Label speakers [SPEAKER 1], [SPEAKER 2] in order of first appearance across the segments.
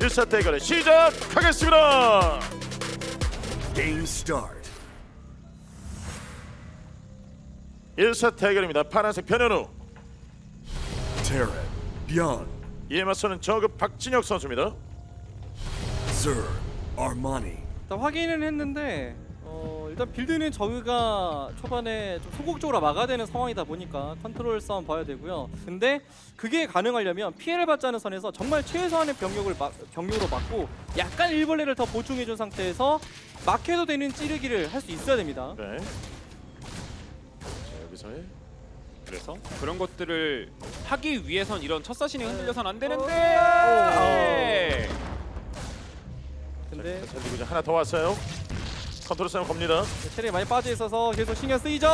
[SPEAKER 1] 1차 대결을 시작하겠습니다.
[SPEAKER 2] Game start.
[SPEAKER 1] 1차 대결입니다. 파란색 변현우,
[SPEAKER 2] Terran, Byung,
[SPEAKER 1] 이에 맞서는 저급 박진혁 선수입니다.
[SPEAKER 2] Zerg, Armani.
[SPEAKER 3] 일단 확인은 했는데 일단 빌드는 저그가 초반에 좀 소극적으로 막아야 되는 상황이다 보니까 컨트롤 싸움 봐야 되고요. 근데 그게 가능하려면 피해를 받지 않은 선에서 정말 최소한의 병력으로 막고 약간 일벌레를 더 보충해준 상태에서 막혀도 되는 찌르기를 할 수 있어야 됩니다.
[SPEAKER 1] 네. 자, 여기서의
[SPEAKER 4] 그래서 그런 것들을 하기 위해선 이런 첫 사신이 흔들려선 안 되는데. 네.
[SPEAKER 3] 근데
[SPEAKER 1] 그리고 이제 하나 더 왔어요. 컨트롤 싸움 겁니다.
[SPEAKER 3] 체력이 많이 빠져 있어서 계속 신경 쓰이죠.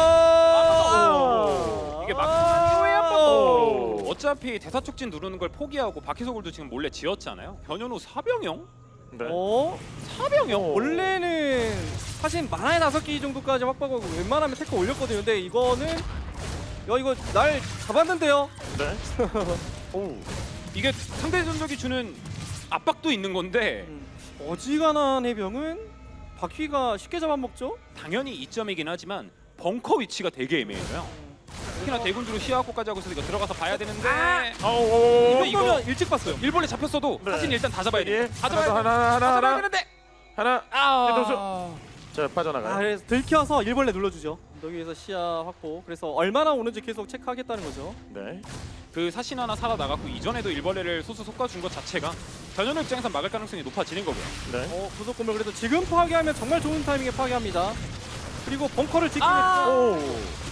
[SPEAKER 4] 이게 막판 이후에 한번
[SPEAKER 1] 오.
[SPEAKER 4] 어차피 대사 촉진 누르는 걸 포기하고 바퀴속을도 지금 몰래 지었잖아요. 변현우 사병형?
[SPEAKER 1] 네.
[SPEAKER 4] 사병형?
[SPEAKER 3] 원래는 사실 만화의 5개 정도까지 확보하고 웬만하면 태클 올렸거든요. 근데 이거는 이거 날 잡았는데요.
[SPEAKER 1] 네. 오.
[SPEAKER 4] 이게 상대 전적이 주는 압박도 있는 건데
[SPEAKER 3] 어지간한 해병은 바퀴가 쉽게 잡아먹죠.
[SPEAKER 4] 당연히 이점이긴 하지만 벙커 위치가 되게 애매해요. 특히나 대군주로 시야학고까지 하고 있어서 이거 들어가서 봐야 되는데
[SPEAKER 1] 아우.
[SPEAKER 3] 이거 일찍 봤어요.
[SPEAKER 4] 일본에 잡혔어도
[SPEAKER 1] 네.
[SPEAKER 4] 사진 일단 다 잡아야 돼. 다 잡아야 돼.
[SPEAKER 1] 하나.
[SPEAKER 4] 다 잡아야 되는데
[SPEAKER 1] 하나.
[SPEAKER 4] 아.
[SPEAKER 1] 자, 빠져나가요.
[SPEAKER 3] 그래서 들켜서 일벌레 눌러주죠. 여기에서 시야 확보. 그래서 얼마나 오는지 계속 체크하겠다는 거죠.
[SPEAKER 1] 네.
[SPEAKER 4] 그 사신 하나 살아 나갔고 이전에도 일벌레를 소수 솎아준 것 자체가 변현우 입장에서 막을 가능성이 높아지는 거고요.
[SPEAKER 1] 네.
[SPEAKER 3] 구속 공격 그래도 지금 파괴하면 정말 좋은 타이밍에 파괴합니다. 그리고 벙커를 지키면
[SPEAKER 1] 오.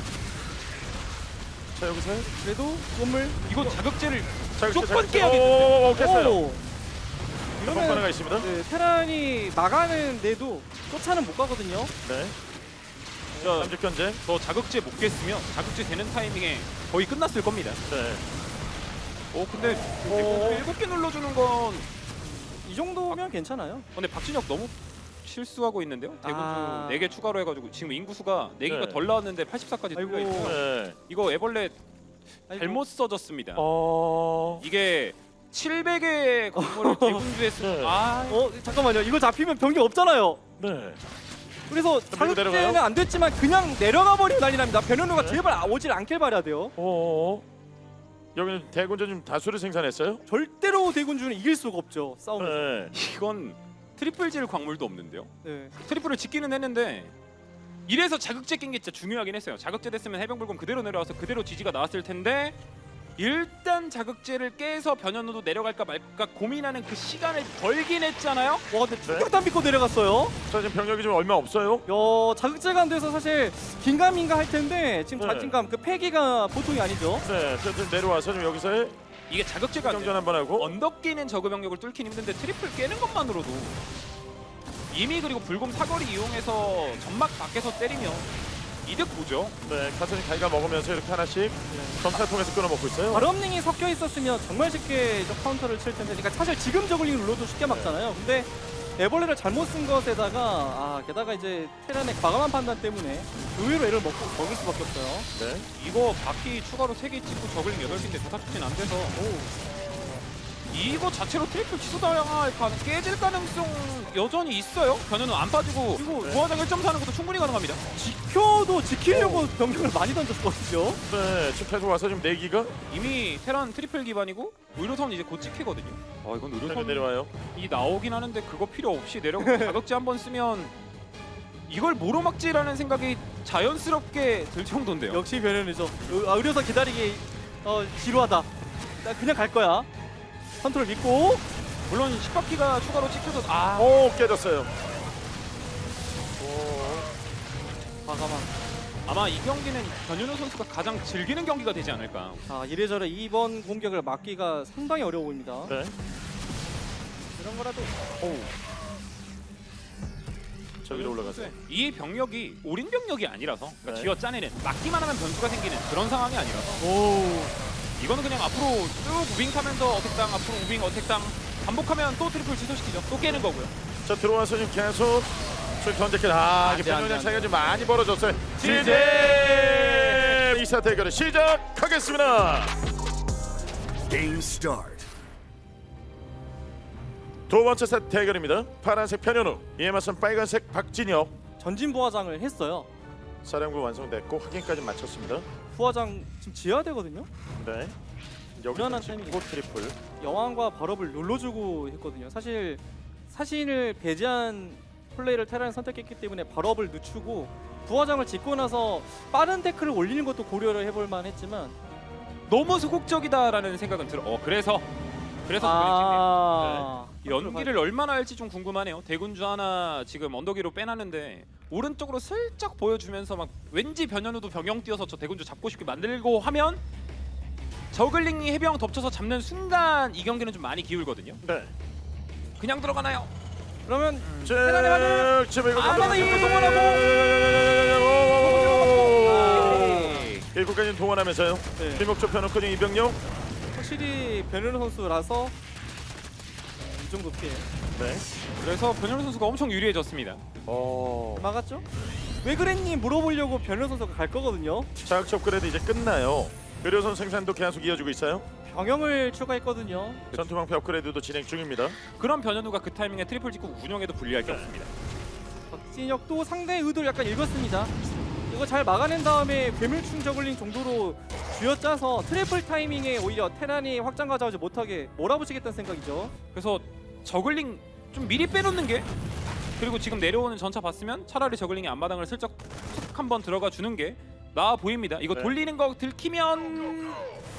[SPEAKER 1] 자, 여기서
[SPEAKER 3] 그래도 건물
[SPEAKER 4] 이거 자극제를
[SPEAKER 1] 자극제,
[SPEAKER 4] 무조건
[SPEAKER 1] 자극제.
[SPEAKER 4] 깨야겠는데.
[SPEAKER 1] 오, 깼어요.
[SPEAKER 3] 오.
[SPEAKER 1] 이런 하나가 있습니다.
[SPEAKER 3] 네, 테란이 나가는데도 쫓아는 못 가거든요.
[SPEAKER 1] 네.
[SPEAKER 4] 저,
[SPEAKER 1] 삼직 견제.
[SPEAKER 4] 저 자극제 못 깼으면 자극제 되는 타이밍에 거의 끝났을 겁니다.
[SPEAKER 1] 네.
[SPEAKER 4] 근데
[SPEAKER 1] 오.
[SPEAKER 4] 7개 눌러주는 건
[SPEAKER 3] 이 정도면 괜찮아요.
[SPEAKER 4] 근데 박진혁 너무 실수하고 있는데요. 대군주
[SPEAKER 3] 아.
[SPEAKER 4] 4개 추가로 해가지고 지금 인구수가 4개가
[SPEAKER 1] 네.
[SPEAKER 4] 덜 나왔는데 84까지
[SPEAKER 3] 아이고.
[SPEAKER 4] 뚫려 있고요.
[SPEAKER 1] 네.
[SPEAKER 4] 이거 애벌레
[SPEAKER 3] 아이고.
[SPEAKER 4] 잘못 써졌습니다.
[SPEAKER 1] 어.
[SPEAKER 4] 이게 700의 건물을 대군주에 쓰.
[SPEAKER 1] 네.
[SPEAKER 3] 잠깐만요. 이거 잡히면 병력 없잖아요.
[SPEAKER 1] 네.
[SPEAKER 3] 그래서
[SPEAKER 1] 밀고 내려가요?
[SPEAKER 3] 자극제는 안 됐지만 그냥 내려가 버리면 난리 납니다. 변현우가
[SPEAKER 1] 네.
[SPEAKER 3] 제발 오질 않길 바라야 돼요.
[SPEAKER 1] 오. 여기는 대군전 좀 다수를 생산했어요?
[SPEAKER 3] 절대로 대군주는 이길 수가 없죠. 싸움에서.
[SPEAKER 1] 네.
[SPEAKER 4] 이건 트리플 질 광물도 없는데요.
[SPEAKER 3] 네.
[SPEAKER 4] 트리플을 짓기는 했는데 이래서 자극제 낀 게 진짜 중요하긴 했어요. 자극제 됐으면 해병불금 그대로 내려와서 그대로 지지가 나왔을 텐데 일단 자극제를 깨서 변현우도 내려갈까 말까 고민하는 그 시간을 벌긴 했잖아요.
[SPEAKER 3] 와 근데 충격탄 믿고 내려갔어요.
[SPEAKER 1] 자, 지금 병력이 좀 얼마 없어요?
[SPEAKER 3] 자극제가 안 돼서 사실 긴가민가 할 텐데 지금
[SPEAKER 1] 네.
[SPEAKER 3] 자신감 그 패기가 보통이 아니죠.
[SPEAKER 1] 네. 좀 내려와서 좀 여기서
[SPEAKER 4] 이게 자극제가 안
[SPEAKER 1] 경전
[SPEAKER 4] 돼요.
[SPEAKER 1] 한번 하고.
[SPEAKER 4] 언덕 끼는 저그 병력을 뚫긴 힘든데 트리플 깨는 것만으로도 이미 그리고 불곰 사거리 이용해서 점막 밖에서 때리면 이득 보죠.
[SPEAKER 1] 네. 가선이 가이가 먹으면서 이렇게 하나씩 점차 통해서 끊어먹고 있어요.
[SPEAKER 3] 바람링이 섞여 있었으면 정말 쉽게 저 카운터를 칠 텐데, 그러니까 사실 지금 저글링 눌러도 쉽게 막잖아요. 근데 애벌레를 잘못 쓴 것에다가 게다가 이제 테란의 과감한 판단 때문에 의외로 애를 먹을 수밖에 없어요.
[SPEAKER 1] 네.
[SPEAKER 4] 이거 바퀴 추가로 3개 찍고 저글링 8개인데 대사축진 안 돼서 이거 자체로 트리플 취소당할 깨질 가능성 여전히 있어요. 변현우 안 빠지고
[SPEAKER 3] 그리고
[SPEAKER 4] 부하장 1.4는 것도 충분히 가능합니다.
[SPEAKER 3] 지켜도 지키려고 병력을 많이 던졌거든요.
[SPEAKER 1] 네. 지금 계속 와서 지금 내기가
[SPEAKER 4] 이미 테란 트리플 기반이고 의료선 이제 곧 찍히거든요. 이건 의료선이
[SPEAKER 1] 내려와요.
[SPEAKER 4] 나오긴 하는데 그거 필요 없이 내려가고 자극제 한번 쓰면 이걸 뭐로 막지라는 생각이 자연스럽게 들 정도인데요.
[SPEAKER 3] 역시 변현우죠. 의료선 기다리기 지루하다. 나 그냥 갈 거야. 컨트롤 믿고.
[SPEAKER 4] 물론 10바퀴가 추가로 찍혀서
[SPEAKER 1] 오, 깨졌어요.
[SPEAKER 3] 과감한.
[SPEAKER 4] 아마 이 경기는 변현우 선수가 가장 즐기는 경기가 되지 않을까.
[SPEAKER 3] 자, 이래저래 이번 공격을 막기가 상당히 어려워 보입니다.
[SPEAKER 1] 네.
[SPEAKER 3] 이런 거라도
[SPEAKER 1] 저 위로 올라가세요.
[SPEAKER 4] 이 병력이 올인 병력이 아니라서 그러니까
[SPEAKER 1] 네.
[SPEAKER 4] 쥐어 짜내는 막기만 하면 변수가 생기는 그런 상황이 아니라서 이거는 그냥 앞으로 쭉 우빙 타면서 어택당 앞으로 우빙 어택당 반복하면 또 트리플 취소시키죠. 또 깨는 거고요.
[SPEAKER 1] 자, 들어와서 지금 계속 저기 견제킬. 이게
[SPEAKER 3] 안 돼,
[SPEAKER 1] 병력량
[SPEAKER 3] 안
[SPEAKER 1] 차이가
[SPEAKER 3] 돼.
[SPEAKER 1] 좀 많이 벌어졌어요.
[SPEAKER 4] 지제!
[SPEAKER 1] 지제! 2차 대결을 시작하겠습니다.
[SPEAKER 2] Game start.
[SPEAKER 1] 두 번째 세트 대결입니다. 파란색 변현우, 이에 맞선 빨간색 박진혁.
[SPEAKER 3] 전진 부화장을 했어요.
[SPEAKER 1] 사령부 완성됐고 확인까지 마쳤습니다.
[SPEAKER 3] 부화장 지금 지어야 되거든요.
[SPEAKER 1] 네. 여기
[SPEAKER 3] 무난한
[SPEAKER 1] 찍고
[SPEAKER 3] 타이밍이죠.
[SPEAKER 1] 트리플.
[SPEAKER 3] 여왕과 발업을 눌러주고 했거든요. 사실 사신을 배제한 플레이를 테란이 선택했기 때문에 발업을 늦추고 부화장을 짓고 나서 빠른 태클을 올리는 것도 고려를 해볼 만했지만
[SPEAKER 4] 너무 소극적이다라는 생각은 들어. 그래서 연기를 얼마나 할지 좀 궁금하네요. 대군주 하나 지금 언덕 위로 빼놨는데 오른쪽으로 슬쩍 보여주면서 막 왠지 변현우도 병영 뛰어서 저 대군주 잡고 싶게 만들고 하면 저글링이 해병 덮쳐서 잡는 순간 이 경기는 좀 많이 기울거든요.
[SPEAKER 1] 네.
[SPEAKER 4] 그냥 들어가나요?
[SPEAKER 3] 그러면
[SPEAKER 1] 테란의 반응. 지금 이거
[SPEAKER 4] 아마도
[SPEAKER 1] 동원하고.
[SPEAKER 4] 네.
[SPEAKER 1] 일곱까지 동원하면서요.
[SPEAKER 3] 네.
[SPEAKER 1] 김옥조 편호커 이병용.
[SPEAKER 3] 확실히 변현우 선수라서 이 정도 피해
[SPEAKER 1] 네.
[SPEAKER 4] 그래서 변현우 선수가 엄청 유리해졌습니다.
[SPEAKER 3] 막았죠? 왜 그랬니 물어보려고 변현우 선수가 갈 거거든요.
[SPEAKER 1] 자극 업그레이드 이제 끝나요. 의료선 생산도 계속 이어지고 있어요.
[SPEAKER 3] 병영을 추가했거든요.
[SPEAKER 1] 전투방패 업그레이드도 진행 중입니다.
[SPEAKER 4] 그런 변현우가 그 타이밍에 트리플 찍고 운영에도 불리할 게
[SPEAKER 1] 네.
[SPEAKER 4] 없습니다.
[SPEAKER 3] 박진혁도 상대의 의도를 약간 읽었습니다. 이거 잘 막아낸 다음에 괴물충 저글링 정도로 쥐어짜서 트리플 타이밍에 오히려 테란이 확장 가져오지 못하게 몰아붙이겠다는 생각이죠.
[SPEAKER 4] 그래서 저글링 좀 미리 빼놓는 게 그리고 지금 내려오는 전차 봤으면 차라리 저글링이 앞마당을 슬쩍 툭 한번 들어가 주는 게 나아 보입니다. 이거
[SPEAKER 1] 네.
[SPEAKER 4] 돌리는 거 들키면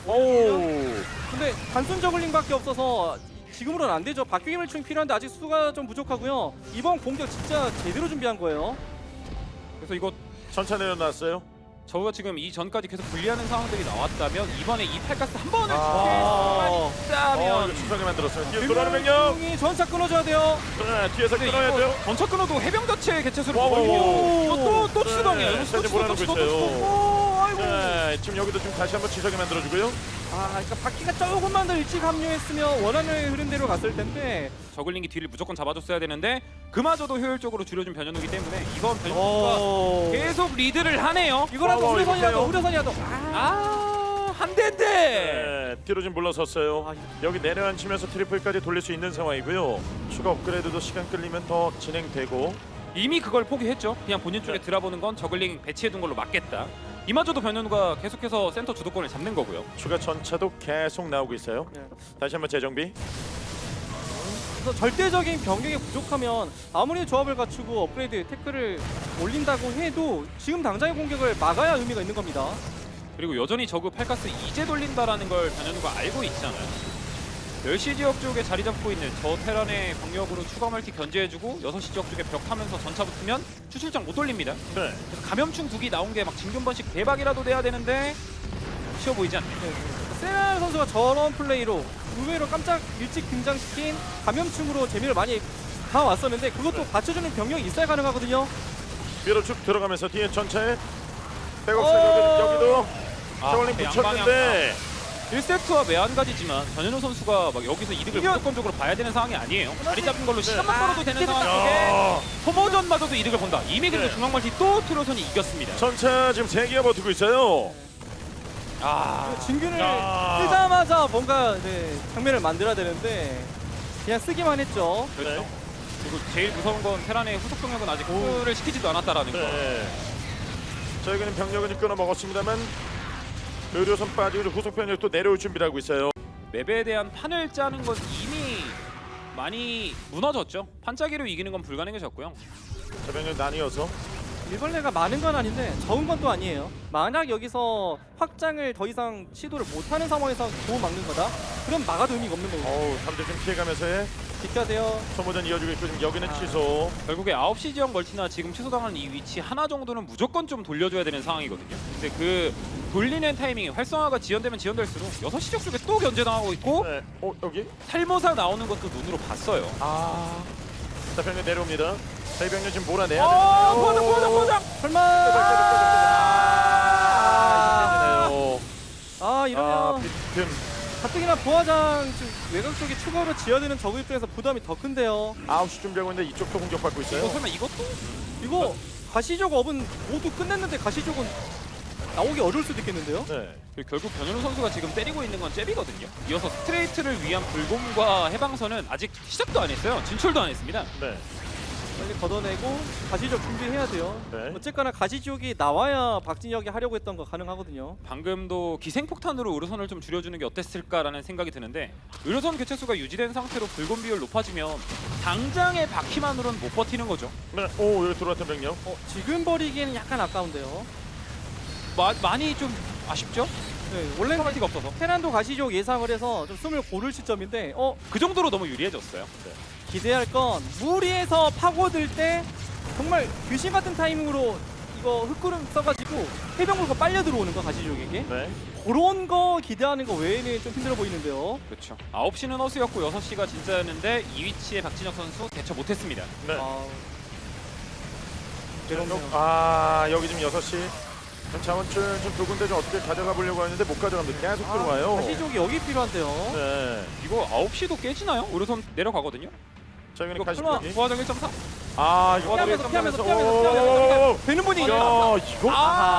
[SPEAKER 3] 근데 단순 저글링밖에 없어서 지금으로는 안 되죠. 박규기물충 필요한데 아직 수가 좀 부족하고요. 이번 공격 진짜 제대로 준비한 거예요.
[SPEAKER 4] 그래서 이거
[SPEAKER 1] 전차 내려놨어요.
[SPEAKER 4] 저가 지금 이 전까지 계속 불리하는 상황들이 나왔다면 이번에 이 팔가스 한 번을
[SPEAKER 3] 아.
[SPEAKER 4] 했다면
[SPEAKER 1] 이거 추상에 만들었어요. 뒤에 돌아오는 병력.
[SPEAKER 3] 괴물충이 전차 끊어줘야 돼요.
[SPEAKER 1] 네, 뒤에서
[SPEAKER 4] 근데
[SPEAKER 1] 끊어야 돼요.
[SPEAKER 4] 이거 전차 끊어도 해병 자체 개체수를
[SPEAKER 1] 와우.
[SPEAKER 4] 보거든요. 또
[SPEAKER 1] 네,
[SPEAKER 4] 추동이에요.
[SPEAKER 1] 네, 사진 몰아넣고 있어요. 네, 지금 여기도 좀 다시 한번 지석에 만들어주고요.
[SPEAKER 3] 그러니까 바퀴가 조금만 더 일찍 합류했으면 원하는 흐름대로 갔을 텐데.
[SPEAKER 4] 저글링이 뒤를 무조건 잡아줬어야 되는데 그마저도 효율적으로 줄여준 변현우기 때문에 이번 변현우가 계속 리드를 하네요.
[SPEAKER 3] 이거라도 우려선이라도
[SPEAKER 1] 이거요.
[SPEAKER 3] 우려선이라도.
[SPEAKER 4] 한 대인데.
[SPEAKER 1] 네, 뒤로 좀 물러섰어요.
[SPEAKER 3] 아,
[SPEAKER 1] 여기 내려앉히면서 트리플까지 돌릴 수 있는 상황이고요. 추가 업그레이드도 시간 끌리면 더 진행되고.
[SPEAKER 4] 이미 그걸 포기했죠. 그냥 본인 쪽에
[SPEAKER 1] 네.
[SPEAKER 4] 들어보는 건 저글링 배치해둔 걸로 맞겠다. 이마저도 변현우가 계속해서 센터 주도권을 잡는 거고요.
[SPEAKER 1] 추가 전차도 계속 나오고 있어요.
[SPEAKER 3] 네.
[SPEAKER 1] 다시 한번 재정비.
[SPEAKER 3] 그래서 절대적인 변경이 부족하면 아무리 조합을 갖추고 업그레이드 태클을 올린다고 해도 지금 당장의 공격을 막아야 의미가 있는 겁니다.
[SPEAKER 4] 그리고 여전히 저그 팔가스 이제 돌린다라는 걸 변현우가 알고 있잖아요. 10시 지역 쪽에 자리 잡고 있는 저 테란의 병력으로 추가 멀티 견제해주고 6시 지역 쪽에 벽 하면서 전차 붙으면 추출장 못 돌립니다.
[SPEAKER 1] 네.
[SPEAKER 4] 그래서 감염충 두기 나온 게 막 진균번식 대박이라도 돼야 되는데 쉬워 보이지 않네요.
[SPEAKER 3] 세랄 선수가 저런 플레이로 의외로 깜짝 일찍 등장시킨 감염충으로 재미를 많이 가왔었는데 그것도 받쳐주는 병력이 있어야 가능하거든요.
[SPEAKER 1] 위로 쭉 들어가면서 뒤에 전차에 백업 여기도 저울링 붙였는데
[SPEAKER 4] 1세트와 매한가지지만 변현우 선수가 막 여기서 이득을 무조건적으로 봐야 되는 상황이 아니에요. 자리 잡은 걸로 시간만 벌어도 되는 상황 속에
[SPEAKER 1] 야,
[SPEAKER 4] 소모전마저도 이득을 본다. 이미 그리고
[SPEAKER 1] 네.
[SPEAKER 4] 중앙멀티 또 트로선이 이겼습니다.
[SPEAKER 1] 전차 지금 3개가 버티고 있어요.
[SPEAKER 3] 진균을
[SPEAKER 1] 야.
[SPEAKER 3] 뜨자마자 뭔가 장면을 만들어야 되는데 그냥 쓰기만 했죠.
[SPEAKER 4] 그렇죠. 그리고 제일 무서운 건 테란의 후속 병력은 아직 후를 시키지도 않았다라는 거.
[SPEAKER 1] 네. 저희는 병력은 끊어 먹었습니다만 의료선 빠지고 후속 병력 또 내려올 준비를 하고 있어요.
[SPEAKER 4] 맵에 대한 판을 짜는 건 이미 많이 무너졌죠. 판짜기로 이기는 건 불가능해졌고요.
[SPEAKER 1] 자, 병력 나뉘어서
[SPEAKER 3] 일벌레가 많은 건 아닌데 적은 건 또 아니에요. 만약 여기서 확장을 더 이상 시도를 못하는 상황에서 도움 막는 거다? 그럼 막아도 의미가 없는 거고.
[SPEAKER 1] 어우, 3대 좀 피해가면서의
[SPEAKER 3] 지켜야 돼요.
[SPEAKER 1] 소모전 이어지고 있고 지금 여기는 취소.
[SPEAKER 4] 결국에 9시 지역 멀티나 지금 취소당하는 이 위치 하나 정도는 무조건 좀 돌려줘야 되는 상황이거든요. 근데 그 돌리는 타이밍이 활성화가 지연되면 지연될수록 6시 지역 쪽에 또 견제당하고 있고
[SPEAKER 1] 네. 여기?
[SPEAKER 4] 탈모사 나오는 것도 눈으로 봤어요.
[SPEAKER 1] 자, 병력 내려옵니다. 저희 병력 지금 몰아내야
[SPEAKER 4] 포장!
[SPEAKER 3] 설마! 이러면
[SPEAKER 1] 빈틈.
[SPEAKER 3] 가뜩이나 부화장 지금 외곽 쪽에 추가로 지어야 되는 저그 입장에서 부담이 더 큰데요.
[SPEAKER 1] 9시 준비하고 있는데 이쪽도 공격받고 있어요.
[SPEAKER 4] 이거 설마 이것도?
[SPEAKER 3] 이거 가시적 업은 모두 끝냈는데 가시적은 나오기 어려울 수도 있겠는데요.
[SPEAKER 1] 네.
[SPEAKER 4] 그리고 결국 변현우 선수가 지금 때리고 있는 건 잽이거든요. 이어서 스트레이트를 위한 불곰과 해방선은 아직 시작도 안 했어요. 진출도 안 했습니다.
[SPEAKER 1] 네.
[SPEAKER 3] 빨리 걷어내고 가시적 준비해야 돼요.
[SPEAKER 1] 네.
[SPEAKER 3] 어쨌거나 가시지옥이 나와야 박진혁이 하려고 했던 거 가능하거든요.
[SPEAKER 4] 방금도 기생폭탄으로 의료선을 좀 줄여주는 게 어땠을까라는 생각이 드는데 의료선 교체수가 유지된 상태로 불곰 비율 높아지면 당장의 바퀴만으로는 못 버티는 거죠.
[SPEAKER 1] 네. 오, 여기 들어왔던 병력.
[SPEAKER 3] 지금 버리기에는 약간 아까운데요.
[SPEAKER 4] 많이 좀 아쉽죠?
[SPEAKER 3] 네, 원래
[SPEAKER 4] 페널티가 없어서
[SPEAKER 3] 테란도 가시지옥 예상을 해서 좀 숨을 고를 시점인데
[SPEAKER 4] 그 정도로 너무 유리해졌어요.
[SPEAKER 3] 기대할 건 무리해서 파고들 때 정말 귀신 같은 타이밍으로 이거 흙구름 써가지고 해병물고 빨려 들어오는 거 가시지옥에게
[SPEAKER 1] 네.
[SPEAKER 3] 그런 거 기대하는 거 외에는 좀 힘들어 보이는데요.
[SPEAKER 4] 그렇죠. 9시는 허수였고 6시가 진짜였는데 이 위치에 박진혁 선수 대처 못했습니다.
[SPEAKER 1] 네.
[SPEAKER 3] 괴롭네요.
[SPEAKER 1] 여기 지금 6시. 자원줄 좀 두 군데 좀 어떻게 가져가 보려고 하는데 못 가져갑니다. 계속 들어와요.
[SPEAKER 3] 가시지옥이 여기 필요한데요.
[SPEAKER 1] 네.
[SPEAKER 4] 이거 9시도 깨지나요? 의료선 내려가거든요.
[SPEAKER 1] 자, 여기는
[SPEAKER 4] 이거
[SPEAKER 1] 가시
[SPEAKER 3] 설마
[SPEAKER 1] 쪽이.
[SPEAKER 4] 부하장 1.4?
[SPEAKER 1] 이거
[SPEAKER 3] 피하면서
[SPEAKER 1] 오,
[SPEAKER 3] 되는 분이
[SPEAKER 1] 야,
[SPEAKER 3] 있네요.
[SPEAKER 1] 이거.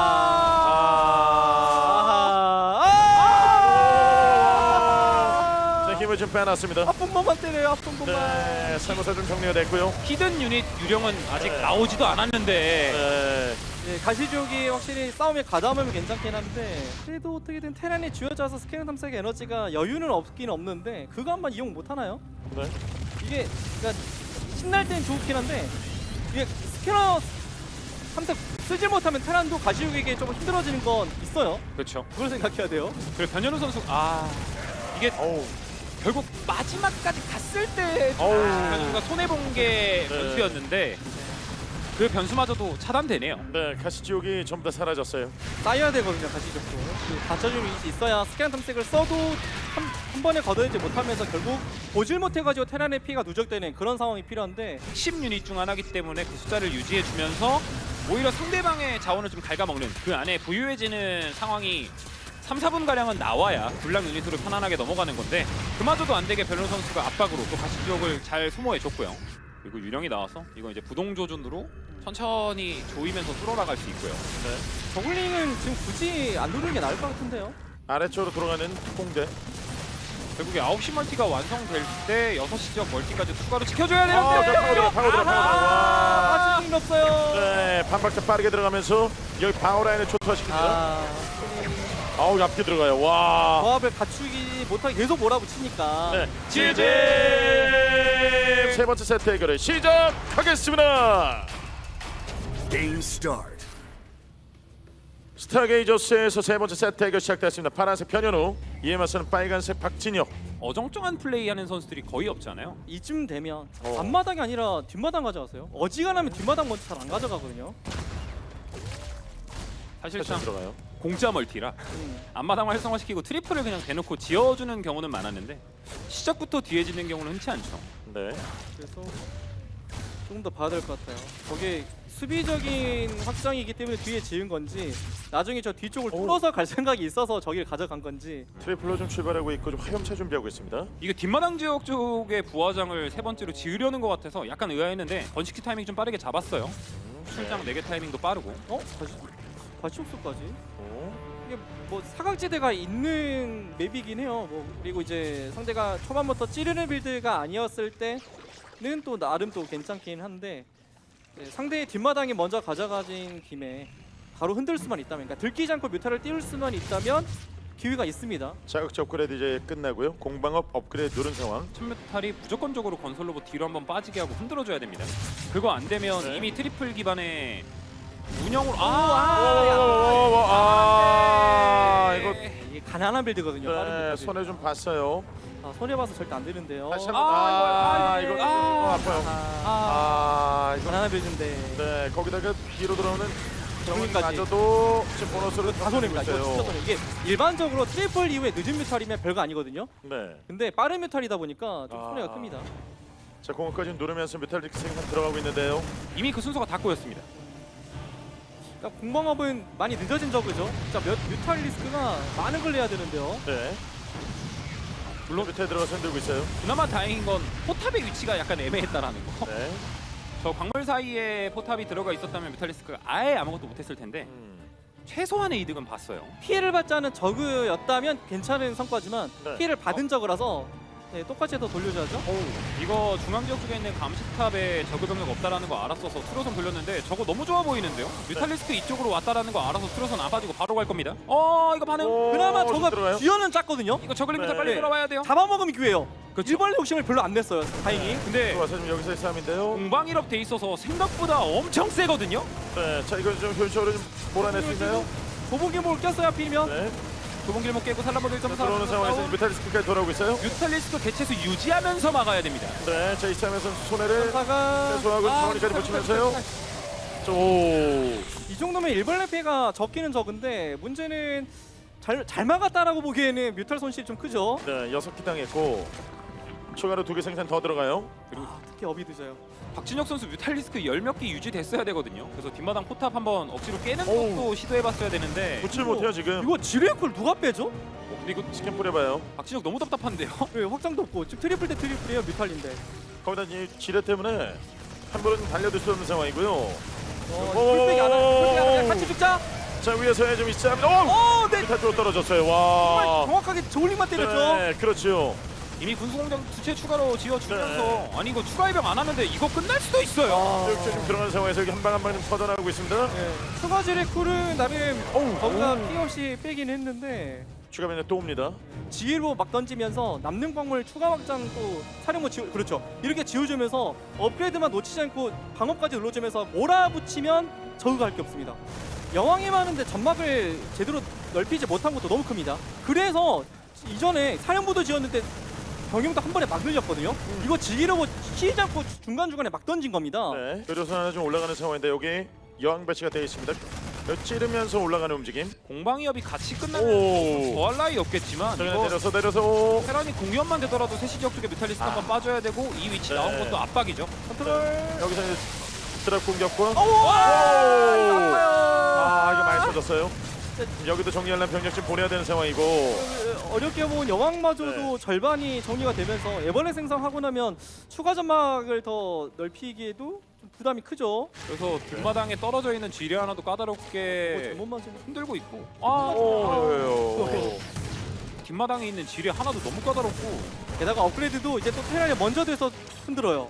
[SPEAKER 1] 자, 힘을 좀 빼놨습니다.
[SPEAKER 3] 아픈 번만 때려요. 아픈 번만.
[SPEAKER 1] 네, 살모사 좀 정리가 됐고요.
[SPEAKER 4] 히든 유닛 유령은 아직
[SPEAKER 1] 네.
[SPEAKER 4] 나오지도 않았는데
[SPEAKER 1] 네.
[SPEAKER 3] 네, 가시족이 확실히 싸움에 가담하면 괜찮긴 한데 그래도 어떻게든 테란이 쥐어짜서 스캐너 탐색의 에너지가 여유는 없긴 없는데 그거 한번 이용 못 하나요?
[SPEAKER 1] 네.
[SPEAKER 3] 이게 그러니까 신날 땐 좋긴 한데 이게 스캐너 탐색 쓰지 못하면 테란도 가시족에게 좀 힘들어지는 건 있어요.
[SPEAKER 4] 그렇죠.
[SPEAKER 3] 그걸 생각해야 돼요.
[SPEAKER 4] 그리고 변현우 선수 이게
[SPEAKER 1] 어우.
[SPEAKER 4] 결국 마지막까지 갔을 때
[SPEAKER 1] 어우.
[SPEAKER 4] 변현우가 손해 본 게
[SPEAKER 1] 네.
[SPEAKER 4] 변수였는데 그 변수마저도 차단되네요.
[SPEAKER 1] 네, 가시지옥이 전부 다 사라졌어요.
[SPEAKER 3] 쌓여야 되거든요. 가시족도 그 받쳐주는 위치 있어야 스캐너 탐색을 써도 한 번에 걷어내지 못하면서 결국 보질 못해가지고 테란의 피해가 누적되는 그런 상황이 필요한데
[SPEAKER 4] 10 유닛 중 하나이기 때문에 그 숫자를 유지해 주면서 오히려 상대방의 자원을 좀 갉아먹는 그 안에 부유해지는 상황이 3, 4분 가량은 나와야 불락 유닛으로 편안하게 넘어가는 건데 그마저도 안 되게 변현우 선수가 압박으로 또 가시지옥을 잘 소모해 줬고요. 그리고 유령이 나와서 이거 이제 부동 조준으로 천천히 조이면서 뚫어나갈 수 있고요.
[SPEAKER 1] 네.
[SPEAKER 3] 저글링은 지금 굳이 안 누르는 게 나을 것 같은데요.
[SPEAKER 1] 아래쪽으로 돌아가는 공대.
[SPEAKER 4] 결국에 9시 멀티가 완성될 때 6시 지역 멀티까지 추가로 지켜줘야
[SPEAKER 1] 자,
[SPEAKER 4] 되는데
[SPEAKER 1] 파고들어.
[SPEAKER 3] 아직 힘이 없어요.
[SPEAKER 1] 네, 반박자 빠르게 들어가면서 여기 방어 라인을 초토화시킵니다. 아우, 앞뒤 들어가요. 와.
[SPEAKER 3] 조합을 갖추기 못하게 계속 몰아붙이니까
[SPEAKER 1] 네, 지지 세 번째 세트 해결을 시작하겠습니다.
[SPEAKER 2] Game start.
[SPEAKER 1] 스타게이저스에서 세 번째 세트 해결 시작됐습니다. 파란색 변현우, 이에 맞서는 빨간색 박진혁.
[SPEAKER 4] 어정쩡한 플레이하는 선수들이 거의 없잖아요.
[SPEAKER 3] 이쯤 되면 앞마당이 아니라 뒷마당 가져가세요. 어지간하면 뒷마당 먼저 잘 안 가져가거든요.
[SPEAKER 4] 사실상
[SPEAKER 1] 들어가요.
[SPEAKER 4] 공짜 멀티라 앞마당을 활성화시키고 트리플을 그냥 대놓고 지어주는 경우는 많았는데 시작부터 뒤에 짓는 경우는 흔치 않죠.
[SPEAKER 1] 네.
[SPEAKER 3] 그래서 조금 더 봐야 될 것 같아요. 저게 수비적인 확장이기 때문에 뒤에 지은 건지 나중에 저 뒤쪽을 뚫어서 갈 생각이 있어서 저길 가져간 건지
[SPEAKER 1] 트리플로 좀 출발하고 있고 좀 화염차 준비하고 있습니다.
[SPEAKER 4] 이게 뒷마당 지역 쪽에 부하장을 세 번째로 지으려는 것 같아서 약간 의아했는데 번식키 타이밍 좀 빠르게 잡았어요. 출장 4개 타이밍도 빠르고
[SPEAKER 3] 가시옥수까지 이게 뭐 사각지대가 있는 맵이긴 해요. 뭐 그리고 이제 상대가 초반부터 찌르는 빌드가 아니었을 때는 또 나름 또 괜찮긴 한데 네, 상대의 뒷마당에 먼저 가져가진 김에 바로 흔들 수만 있다면, 그러니까 들키지 않고 뮤타를 띄울 수만 있다면 기회가 있습니다.
[SPEAKER 1] 자극제 업그레이드 이제 끝나고요. 공방업 업그레이드 누른 상황.
[SPEAKER 4] 천메탈이 무조건적으로 건설 로봇 뒤로 한번 빠지게 하고 흔들어줘야 됩니다. 그거 안 되면
[SPEAKER 1] 네.
[SPEAKER 4] 이미 트리플 기반의 운영으로
[SPEAKER 1] 이거
[SPEAKER 3] 이게 가난한 빌드거든요. 빠른
[SPEAKER 1] 네,
[SPEAKER 3] 빌드.
[SPEAKER 1] 손에 좀 봤어요.
[SPEAKER 3] 손해 봐서 절대 안 되는데요.
[SPEAKER 1] 다시 한번 이거 아파요. 이거
[SPEAKER 3] 가난한 빌드인데
[SPEAKER 1] 네, 거기다가 뒤로 들어오는
[SPEAKER 3] 정리까지.
[SPEAKER 1] 정리까지도 지금 보너스를
[SPEAKER 3] 다 손해입니다. 이거 진짜 손해. 이게 일반적으로 트리플 이후에 늦은 뮤탈이면 별거 아니거든요.
[SPEAKER 1] 네.
[SPEAKER 3] 근데 빠른 뮤탈이다 보니까 좀 손해가 큽니다.
[SPEAKER 1] 자, 공까지 누르면서 메탈릭 생산 들어가고 있는데요.
[SPEAKER 4] 이미 그 순서가 다 꼬였습니다.
[SPEAKER 3] 그러니까 공방업은 많이 늦어진 저그죠. 진짜 뮤탈 리스크가 많은 걸 내야 되는데요.
[SPEAKER 1] 네. 물론 밑에 들어가서 흔들고 있어요.
[SPEAKER 4] 그나마 다행인 건 포탑의 위치가 약간 애매했다라는 거.
[SPEAKER 1] 네.
[SPEAKER 4] 저 광물 사이에 포탑이 들어가 있었다면 뮤탈리스크가 아예 아무것도 못했을 텐데 최소한의 이득은 봤어요.
[SPEAKER 3] 피해를 받지 않은 저그였다면 괜찮은 성과지만
[SPEAKER 1] 네.
[SPEAKER 3] 피해를 받은 저그라서 네, 똑같이 더 돌려줘야죠.
[SPEAKER 4] 이거 중앙 지역 쪽에 있는 감시탑에 저그 병력 없다라는 거 알았어서 트로선 돌렸는데 저거 너무 좋아 보이는데요. 뮤탈리스크 이쪽으로 왔다라는 거 알아서 트로선 안 빠지고 바로 갈 겁니다. 이거 반응.
[SPEAKER 1] 오,
[SPEAKER 3] 그나마
[SPEAKER 1] 좀
[SPEAKER 3] 저가
[SPEAKER 1] 들어가요?
[SPEAKER 3] 쥐어는 짰거든요.
[SPEAKER 4] 이거 저글링부터
[SPEAKER 1] 네.
[SPEAKER 4] 빨리 돌아와야 돼요.
[SPEAKER 3] 잡아먹으면 기회예요.
[SPEAKER 4] 그렇죠.
[SPEAKER 3] 일벌레 욕심을 별로 안 냈어요. 다행히.
[SPEAKER 4] 근데
[SPEAKER 1] 와서 지금 여기서의 싸움인데요.
[SPEAKER 4] 공방 1업 돼 있어서 생각보다 엄청 세거든요.
[SPEAKER 1] 네, 자 이거 좀 효율적으로 좀 몰아낼 수 있나요?
[SPEAKER 3] 도복이 뭘 꼈어요 하필이면.
[SPEAKER 1] 네.
[SPEAKER 4] 좁은 길목 깨고 살라버드 1.4
[SPEAKER 1] 들어오는 상황에서 뮤탈리스크까지 돌아오고 있어요.
[SPEAKER 4] 뮤탈리스크 개체수 유지하면서 막아야 됩니다.
[SPEAKER 1] 네, 자 이참에서 손해를
[SPEAKER 3] 사가
[SPEAKER 1] 최소화하고 정원이까지 붙이면서요. 오,
[SPEAKER 3] 이 정도면 일벌레 피해가 적기는 적은데 문제는 잘 막았다라고 보기에는 뮤탈 손실이 좀 크죠.
[SPEAKER 1] 네, 6기 당했고 추가로 2개 생산 더 들어가요.
[SPEAKER 3] 특히 업이 늦어요.
[SPEAKER 4] 박진혁 선수 뮤탈리스크 10몇 개 유지됐어야 되거든요. 그래서 뒷마당 포탑 한번 억지로 깨는
[SPEAKER 1] 오우.
[SPEAKER 4] 것도 시도해봤어야 되는데
[SPEAKER 1] 붙질 못해요 지금.
[SPEAKER 3] 이거 지뢰콜 누가 빼죠?
[SPEAKER 4] 근데 이거
[SPEAKER 1] 스캔 뿌려봐요.
[SPEAKER 4] 박진혁 너무 답답한데요.
[SPEAKER 3] 네, 확장도 없고 지금 트리플 대 트리플이에요 뮤탈인데.
[SPEAKER 1] 거기다 이 지뢰 때문에 한 번은 달려들 수 없는 상황이고요.
[SPEAKER 3] 풀백이 안 하네. 같이 죽자.
[SPEAKER 1] 자 위에서 좀 있자면 오!
[SPEAKER 3] 네.
[SPEAKER 1] 뮤탈 쪽 떨어졌어요.
[SPEAKER 3] 정말
[SPEAKER 1] 와.
[SPEAKER 3] 정확하게 저울링만 때렸죠.
[SPEAKER 1] 네, 그렇죠.
[SPEAKER 4] 이미 군수공장 두채 추가로 지어주면서 아니 이거 추가 해병 안 하는데 이거 끝날 수도 있어요.
[SPEAKER 1] 쭉 지금 들어가는 상황에서 여기 한 방 한 방 좀 퍼져나가고 있습니다.
[SPEAKER 3] 네. 추가 지뢰콜은 나름 거기가
[SPEAKER 1] 어우.
[SPEAKER 3] 피해 없이 빼긴 했는데
[SPEAKER 1] 추가 변이 또 옵니다.
[SPEAKER 3] 지휘로 막 던지면서 남는 광물 추가 확장 또 사령부 지우 그렇죠 이렇게 지워주면서 업그레이드만 놓치지 않고 방어까지 눌러주면서 몰아붙이면 저그가 할 게 없습니다. 여왕이 많은데 점막을 제대로 넓히지 못한 것도 너무 큽니다. 그래서 이전에 사령부도 지었는데 병용도 한 번에 막 늘렸거든요. 이거 지휘로 치지 않고 중간중간에 막 던진 겁니다.
[SPEAKER 1] 네. 의료선 하나 좀 올라가는 상황인데 여기 여왕 배치가 되어 있습니다. 찌르면서 올라가는 움직임.
[SPEAKER 4] 공방이업이 같이
[SPEAKER 1] 오.
[SPEAKER 4] 끝나면 더할 나위 없겠지만
[SPEAKER 1] 저기
[SPEAKER 4] 이거
[SPEAKER 1] 내려서 오.
[SPEAKER 4] 테란이 공연만 되더라도 세시 지역 쪽에 뮤탈리스크 한번 빠져야 되고 이 위치
[SPEAKER 1] 네.
[SPEAKER 4] 나온 것도 압박이죠.
[SPEAKER 3] 컨트롤.
[SPEAKER 1] 여기서 이제 드랍 공격과
[SPEAKER 3] 아파요.
[SPEAKER 1] 아 이거 많이 터졌어요. 여기도 정리하려면 병력 좀 보내야 되는 상황이고.
[SPEAKER 3] 어렵게 본 여왕마저도
[SPEAKER 1] 네.
[SPEAKER 3] 절반이 정리가 되면서 애벌레 생성하고 나면 추가 점막을 더 넓히기에도 좀 부담이 크죠.
[SPEAKER 4] 그래서 뒷마당에 떨어져 있는 지뢰 하나도
[SPEAKER 3] 뭐
[SPEAKER 4] 까다롭게
[SPEAKER 3] 잘못 맞으면
[SPEAKER 4] 흔들고 있고
[SPEAKER 1] 오.
[SPEAKER 4] 뒷마당에 있는 지뢰 하나도 너무 까다롭고
[SPEAKER 3] 게다가 업그레이드도 이제 또 테란이 먼저 돼서 흔들어요.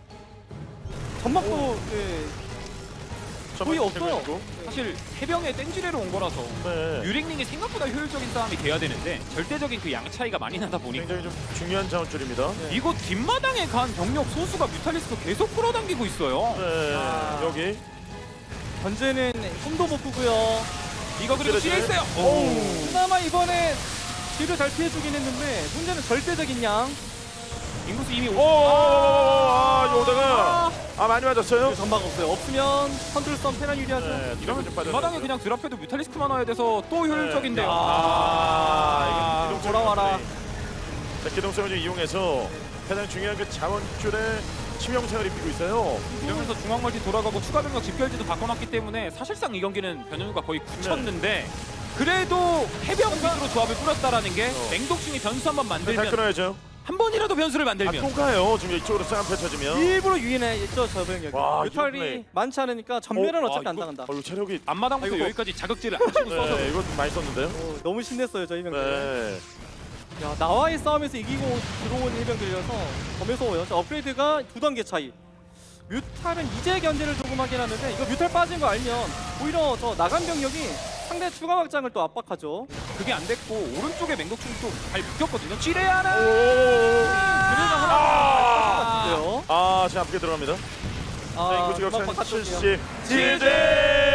[SPEAKER 3] 점막도 거의 없어요.
[SPEAKER 4] 사실 해병에 땡지레로 온 거라서
[SPEAKER 1] 네.
[SPEAKER 4] 유링링이 생각보다 효율적인 싸움이 돼야 되는데 절대적인 그 양 차이가 많이 나다 보니까
[SPEAKER 1] 굉장히 좀 중요한 자원줄입니다.
[SPEAKER 4] 이거 뒷마당에 간 병력 소수가 뮤탈리스크 계속 끌어당기고 있어요.
[SPEAKER 1] 네.
[SPEAKER 3] 아.
[SPEAKER 1] 여기.
[SPEAKER 3] 현재는 손도 못 끄고요.
[SPEAKER 4] 이거 그래도 지뢰 있어요.
[SPEAKER 3] 그나마 이번에 뒤를 잘 피해주긴 했는데 문제는 절대적인 양.
[SPEAKER 4] 인구수 이미
[SPEAKER 1] 오. 아, 오다가 많이 맞았어요.
[SPEAKER 3] 점막 없어요. 없으면 컨트롤 썸 테란 유리하죠.
[SPEAKER 1] 네.
[SPEAKER 4] 이러면
[SPEAKER 1] 좀
[SPEAKER 4] 뒷마당에 그냥 드랍해도 뮤탈리스크만 와야 돼서 또 효율적인데요.
[SPEAKER 1] 아, 이거
[SPEAKER 3] 돌아와라.
[SPEAKER 1] 자, 기동성을 좀 이용해서 가장 중요한 그 자원줄에 치명상을 입히고 있어요.
[SPEAKER 4] 이러면서 중앙 멀티 돌아가고 추가 병력 집결지도 바꿔놨기 때문에 사실상 이 경기는 변현우가 거의 굳혔는데 그래도 해병 위주로 조합을 꾸렸다라는 게 맹독충이 변수 한번
[SPEAKER 1] 잘
[SPEAKER 4] 만들면
[SPEAKER 1] 끊어야죠.
[SPEAKER 4] 한 번이라도 변수를
[SPEAKER 1] 아,
[SPEAKER 4] 만들면
[SPEAKER 1] 또 가요. 지금 이쪽으로 싸움 펼쳐지면.
[SPEAKER 3] 일부러 유인했죠 저 병력이.
[SPEAKER 1] 와,
[SPEAKER 3] 뮤탈이
[SPEAKER 1] 이거
[SPEAKER 3] 많지 않으니까 전멸은
[SPEAKER 4] 어,
[SPEAKER 3] 어차피
[SPEAKER 4] 아,
[SPEAKER 3] 안
[SPEAKER 4] 이거-
[SPEAKER 3] 당한다.
[SPEAKER 1] 이거 체력이
[SPEAKER 4] 앞마당부터
[SPEAKER 3] 아이고.
[SPEAKER 4] 여기까지 자극제를 안 치고 써서
[SPEAKER 1] 네, 이거 많이 썼는데요.
[SPEAKER 3] 너무 신냈어요 저희 병들.
[SPEAKER 1] 네.
[SPEAKER 3] 야 나와의 싸움에서 이기고 들어온 해병들이라서 더 무서워요. 자, 업그레이드가 2단계 차이. 뮤탈은 이제 견제를 조금 하긴 하는데 이거 뮤탈 빠진 거 알면 오히려 저 나간 병력이 상대 추가 확장을 또 압박하죠.
[SPEAKER 4] 그게 안 됐고 오른쪽에 맹독충이 또 잘 묶였거든요. 찌레 하나.
[SPEAKER 3] 그래서 하나 같은데요.
[SPEAKER 1] 자, 앞에 들어갑니다. 자, 인구 지각
[SPEAKER 3] 음악 바깥쪽이에요.
[SPEAKER 1] 70. 지제!